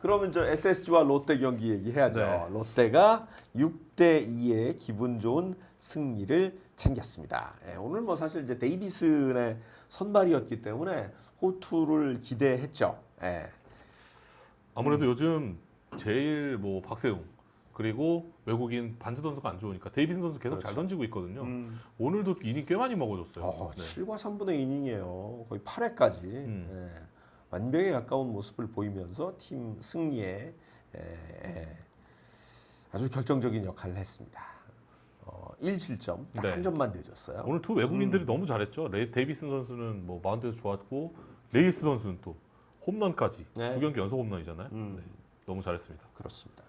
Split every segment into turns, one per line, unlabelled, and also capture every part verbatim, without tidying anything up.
그러면 저 에스에스지와 롯데 경기 얘기해야죠.
네.
롯데가 육 대 이의 기분 좋은 승리를 챙겼습니다. 예, 오늘 뭐 사실 이제 데이비슨의 선발이었기 때문에 호투를 기대했죠. 예.
아무래도 요즘 제일 뭐 박세웅 그리고 외국인 반지 선수가 안 좋으니까 데이비슨 선수 계속
그렇죠.
잘 던지고 있거든요.
음.
오늘도 이닝 꽤 많이 먹어줬어요.
어,
네.
칠과 삼분의 이닝이에요. 거의 팔 회까지
음.
예, 완벽에 가까운 모습을 보이면서 팀 승리에 예, 예, 아주 결정적인 역할을 했습니다. 어, 일 실점, 딱
네.
한 점만 내줬어요.
오늘 두 외국인들이 너무 잘했죠. 레, 데이비슨 선수는 뭐 마운드에서 좋았고 레이스 선수는 또 홈런까지
네.
두 경기 연속 홈런이잖아요.
음.
네. 너무 잘했습니다.
그렇습니다.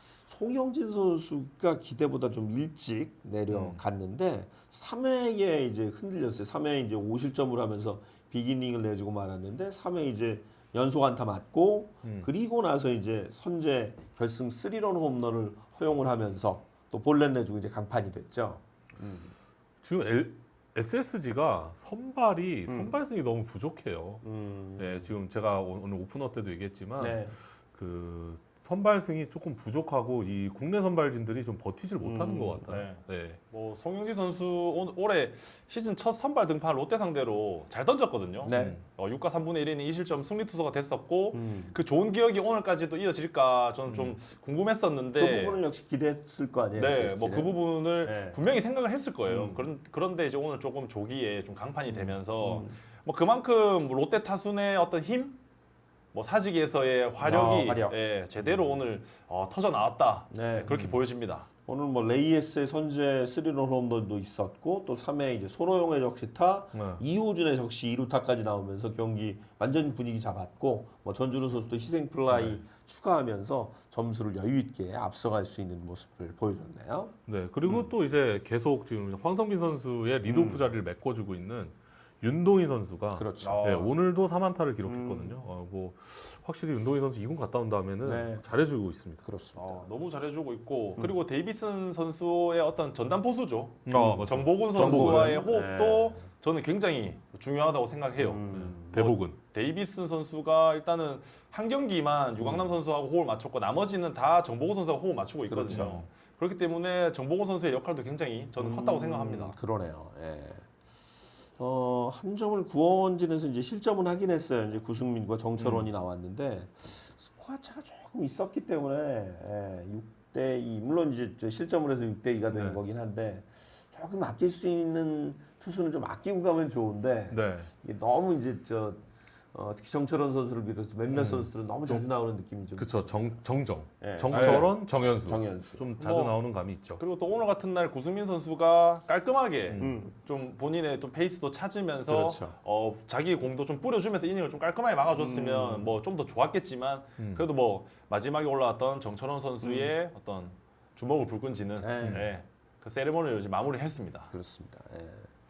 송영진 선수가 기대보다 좀 일찍 내려갔는데 삼 회에 이제 흔들렸어요. 삼 회에 이제 오 실점을 하면서 비기닝을 내주고 말았는데 삼 회 이제 연속 안타 맞고
음.
그리고 나서 이제 선제 결승 쓰리런 홈런을 허용을 하면서 또 볼넷 내주고 이제 강판이 됐죠.
지금 엘, 에스에스지가 선발이
음.
선발승이 너무 부족해요.
음.
네, 지금 제가 오- 오늘 오프너 때도 얘기했지만
네.
그 선발승이 조금 부족하고 이 국내 선발진들이 좀 버티질 못하는
음,
것 같아요. 네.
뭐 송영진 선수 올- 올해 시즌 첫 선발 등판 롯데 상대로 잘 던졌거든요.
네.
어, 육과 삼분의 일 이닝 이 실점 승리 투수가 됐었고
음.
그 좋은 기억이 오늘까지도 이어질까 저는 좀 궁금했었는데
그 부분을 역시 기대했을 거 아니에요.
네,
에스에스지는.
뭐 그 부분을
네.
분명히 생각을 했을 거예요.
음.
그런 그런데 이제 오늘 조금 조기에 좀 강판이 되면서
음.
뭐 그만큼 롯데 타순의 어떤 힘, 뭐 사직에서의 화력이
아, 화력.
예, 제대로 오늘 어, 터져 나왔다.
네.
예, 그렇게 보여집니다.
오늘 뭐 레이에스의 선제 쓰리런 홈런도 있었고 또 삼 회 이제 손호영의 적시타,
네.
이호준의 적시 이 루타까지 나오면서 경기 완전 분위기 잡았고 뭐 전준우 선수도 희생 플라이
네.
추가하면서 점수를 여유 있게 앞서갈 수 있는 모습을 보여줬네요.
네. 그리고
음.
또 이제 계속 지금 황성빈 선수의 리드오프 자리를 메꿔주고 있는 윤동희 선수가
그렇죠.
어.
네, 오늘도 삼 안타를 기록했거든요. 어, 뭐 확실히 윤동희 선수 이 군 갔다 온 다음에는
네.
잘해주고 있습니다.
그렇습니다.
어, 너무 잘해주고
음.
있고 그리고 데이비슨 선수의 어떤 전담 포수죠.
어, 맞죠.
정보근
정보근.
선수와의 호흡도
네.
저는 굉장히 중요하다고 생각해요.
음.
대복은.
데이비슨 선수가 일단은 한 경기만
음.
유강남 선수하고 호흡을 맞췄고 나머지는 다 정보근 선수하고 호흡을 맞추고 있거든요.
그렇죠.
그렇기 때문에 정보근 선수의 역할도 굉장히 저는 컸다고 생각합니다.
음, 그러네요. 예. 어, 한 점을 구원진에서 이제 실점은 하긴 했어요. 이제 구승민과 정철원이 나왔는데 스코어 차가 조금 있었기 때문에 예, 육 대 이 물론 이제 저 실점을 해서 육 대 이가 되는
네.
거긴 한데 조금 아낄 수 있는 투수는 좀 아끼고 가면 좋은데
네.
이게 너무 이제 저 어, 특히 정철원 선수를 비롯해서 몇몇
음.
선수들은 너무 자주 나오는 느낌이 좀
그쵸. 정, 정정.
예,
정철원, 정현수.
정현수.
좀 자주
뭐,
나오는 감이 있죠.
그리고 또 오늘 같은 날 구승민 선수가 깔끔하게
음.
좀 본인의 좀 페이스도 찾으면서
그렇죠.
어, 자기 공도 좀 뿌려주면서 이닝을 좀 깔끔하게 막아줬으면
음.
뭐 좀 더 좋았겠지만 그래도 뭐 마지막에 올라왔던 정철원 선수의 어떤 주먹을 불 끈지는
네.
예, 그 세레머니를 이제 마무리했습니다.
그렇습니다. 예.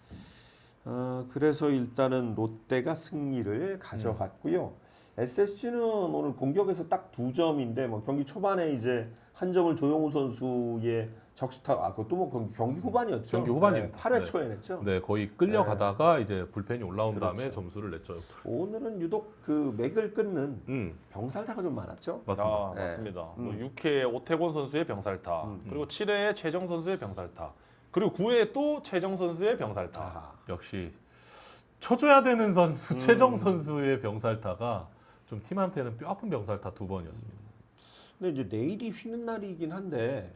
어, 그래서 일단은 롯데가 승리를 가져갔고요. 에스에스지는 오늘 공격에서 딱 두 점인데 뭐 경기 초반에 이제 한 점을 조용우 선수의 적시타, 아 그것도 뭐 경기, 경기 후반이었죠.
경기 후반입니다.
네, 팔 회
네.
초에 냈죠.
네, 거의 끌려가다가 이제 불펜이 올라온 다음에
그렇죠.
점수를 냈죠.
오늘은 유독 그 맥을 끊는
음,
병살타가 좀 많았죠.
맞습니다.
아,
네.
맞습니다. 뭐
음.
육 회에 오태곤 선수의 병살타, 그리고 칠 회에 최정 선수의 병살타, 그리고 구 회에 또 최정 선수의 병살타.
아하.
역시 쳐줘야 되는 선수
음.
최정 선수의 병살타가 좀 팀한테는 뼈 아픈 병살타 두 번이었습니다.
근데 이제 내일이 쉬는 날이긴 한데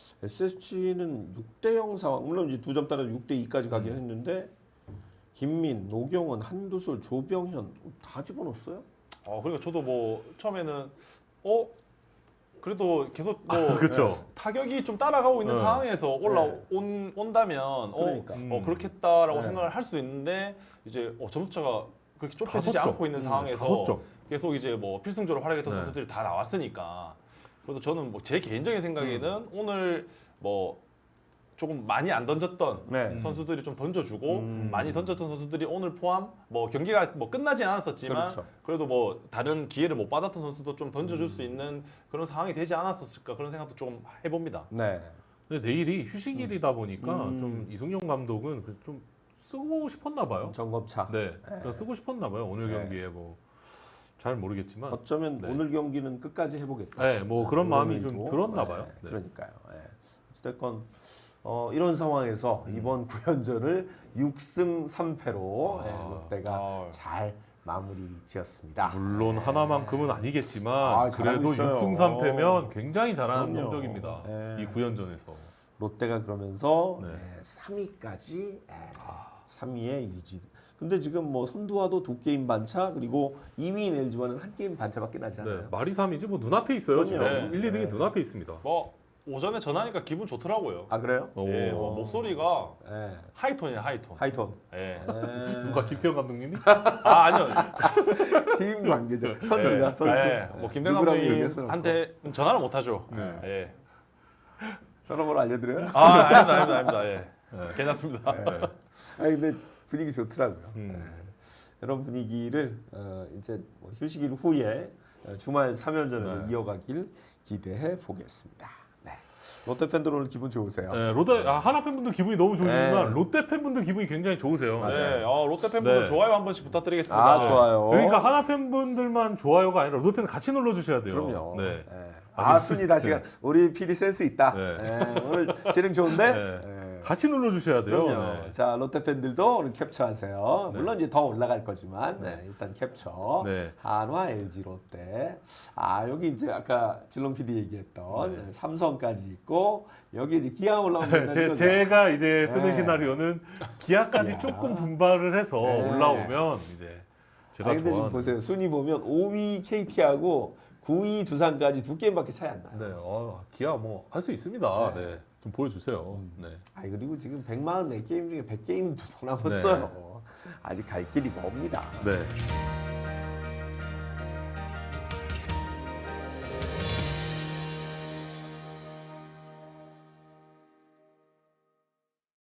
에스에스지는 육 대 영 상황, 물론 이제 두 점 따라 육 대 이까지 가긴
음.
했는데 김민, 노경원, 한두솔, 조병현 다 집어넣었어요.
어, 그러니까 저도 뭐 처음에는 어 그래도 계속 뭐
그렇죠.
타격이 좀 따라가고 있는
네.
상황에서 올라온 온다면
그러니까.
어,
음.
어 그렇겠다라고
네.
생각을 할 수 있는데 이제 어, 점수차가 그렇게 좁혀지지
다섯 점.
않고 있는
음,
상황에서
다섯 점.
계속 이제 뭐 필승조로 활약했던
네.
선수들이 다 나왔으니까 그래도 저는 뭐 제 개인적인 생각에는
음.
오늘 뭐 조금 많이 안 던졌던
네.
선수들이 좀 던져주고
음.
많이 던졌던 선수들이 오늘 포함 뭐 경기가 뭐 끝나진 않았었지만
그렇죠.
그래도 뭐 다른 기회를 못 받았던 선수도 좀 던져줄 수 있는 그런 상황이 되지 않았었을까 그런 생각도 좀 해봅니다.
네.
근데 내일이 휴식일이다 보니까
음.
좀 이승용 감독은 그좀 쓰고 싶었나 봐요.
점검차.
네, 그러니까 쓰고 싶었나 봐요. 오늘
네.
경기에 뭐 잘 모르겠지만
어쩌면
네.
오늘 경기는 끝까지 해보겠다.
네, 뭐 그런 마음이
의미도.
좀 들었나 봐요.
네,
네.
그러니까요. 네. 어쨌건 어, 이런 상황에서
음.
이번 구연전을 육 승 삼 패로 예,
아.
롯데가
아.
잘 마무리 지었습니다.
물론 하나만큼은 아니겠지만
아, 잘하고
그래도
있어요.
육 승 삼 패면 굉장히 잘하는
그럼요.
성적입니다.
네.
이 구연전에서.
롯데가 그러면서
네.
예, 삼 위까지 예, 삼 위에 유지. 근데 지금 뭐 선두와도 두 게임 반차 그리고 이 위인 엘지와는 한 게임 반차밖에 나지 않아요.
네, 말이 삼이지 뭐 눈앞에 있어요. 지금
그럼요.
일, 이 등이
네.
눈앞에 있습니다.
뭐 오전에 전화니까 기분 좋더라고요.
아 그래요?
오.
예, 뭐 목소리가
예.
하이톤이에요, 하이톤.
하이톤.
예.
예.
누가 김태형 감독님이?
아 아니요.
팀 관계죠. 선수가
예.
선수.
예. 뭐 김대현
누구라고 얘기할 수는
감독님한테 전화를 못 하죠.
네.
예.
전화번호 알려드려요?
아 아닙니다, 아닙니다, 아닙니다. 예. 괜찮습니다.
아니 근데 분위기 좋더라고요.
음.
예. 이런 분위기를 어, 이제 뭐 휴식일 후에 어, 주말 삼 연전으로
네.
이어가길 기대해 보겠습니다. 네. 롯데 팬들 오늘 기분 좋으세요?
네, 롯데 아, 하나 팬분들 기분이 너무 좋으시지만
네.
롯데 팬분들 기분이 굉장히 좋으세요.
네, 어, 롯데 팬분들
네.
좋아요 한 번씩 부탁드리겠습니다.
아 좋아요.
그러니까 하나 팬분들만 좋아요가 아니라 롯데 팬 같이 눌러 주셔야 돼요.
그럼요.
네.
예.
아주
아 순위 다시가 우리 피디 센스 있다.
네.
예, 오늘 재능 좋은데.
네.
예.
같이 눌러 주셔야 돼요.
그럼요.
네.
자 롯데 팬들도 오늘 캡처하세요.
네.
물론 이제 더 올라갈 거지만 네, 일단 캡처.
네.
한화, 엘지, 롯데. 아 여기 이제 아까 진롱 피디 얘기했던
네.
삼성까지 있고 여기 이제 기아 올라오면
제, 제가 이제 쓰는
네.
시나리오는 기아까지
기아.
조금 분발을 해서
네.
올라오면 이제 제가
아니 근데 지금
좋아하는
보세요. 순위 보면 오 위 케이티하고 구 위 두산까지 두 게임밖에 차이 안 나요.
네, 어, 기아 뭐 할 수 있습니다. 네. 좀 보여주세요. 네.
아 그리고 지금 백사십사 게임 중에 백 게임도 더 남았어요. 아직 갈 길이 멉니다.
네.